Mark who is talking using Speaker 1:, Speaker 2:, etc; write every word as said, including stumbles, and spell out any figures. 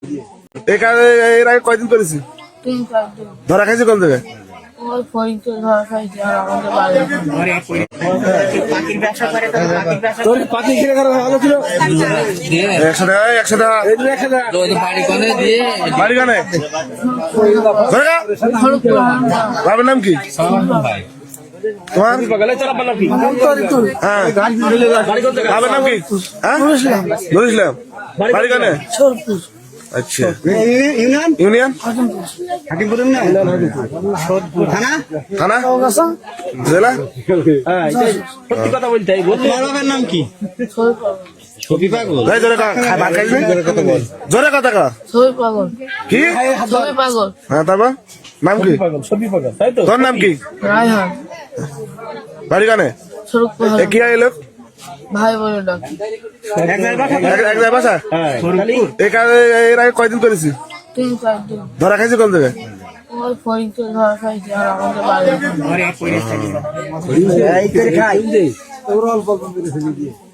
Speaker 1: এই কাজে এর আগে কয়দিন করেছি?
Speaker 2: তিন চার দিন।
Speaker 1: ধরা খাইছি কোন জায়গায়?
Speaker 2: ওই ফরিদপুর ধরা খাইছি আর আমাদের বাড়ি।
Speaker 3: তোর পাতি কিনে করা ভালো ছিল
Speaker 1: একশো টাকা একশো টাকা
Speaker 4: বাড়ি কানে দিয়ে
Speaker 1: বাড়ি কানে ধরে খা।
Speaker 2: ফরিদপুর হামদা।
Speaker 1: বাবার নাম কি
Speaker 4: ভাই
Speaker 1: তোমার?
Speaker 3: গেলে চলা পালা কি
Speaker 1: হ্যাঁ বাবার নাম কি? হ্যাঁ নুরুল ইসলাম। বাড়ি কানে?
Speaker 2: সোরপুর।
Speaker 1: আচ্ছা
Speaker 3: ইউনিয়ন
Speaker 1: ইউনিয়ন
Speaker 3: হাকিমপুর না থানা
Speaker 1: থানা জেলা?
Speaker 3: হ্যাঁ সত্যি কথা বলতে হয় বলতে বাবার নাম কি
Speaker 2: ছয় পাগল।
Speaker 3: ছবি পাগল
Speaker 1: ভাই জোরে কা খাই ভাত খাইছি জোরে কথা কা
Speaker 2: ছয় পাগল।
Speaker 1: কি?
Speaker 2: ছয় পাগল।
Speaker 1: হ্যাঁ তারপর নাম কি?
Speaker 3: পাগল ছবি পাগল তাই তো
Speaker 1: তোর নাম কি?
Speaker 2: রায়হান।
Speaker 1: বাড়ি কানে?
Speaker 2: সোরপুর
Speaker 1: এ কি আইলো?
Speaker 2: ভাই বলে ডাকি।
Speaker 3: এক জায়গায় বাসা
Speaker 1: এক এক জায়গায় বাসা?
Speaker 3: হ্যাঁ
Speaker 1: এই কাজে এর আগে কয়দিন করেছি?
Speaker 2: তিন চার দিন।
Speaker 1: ধরা খাইছি কোন জায়গায়?
Speaker 2: ওই ফরিদপুর ধরা খাইছি আর আমাদের বাড়ি।
Speaker 3: এই করে খাই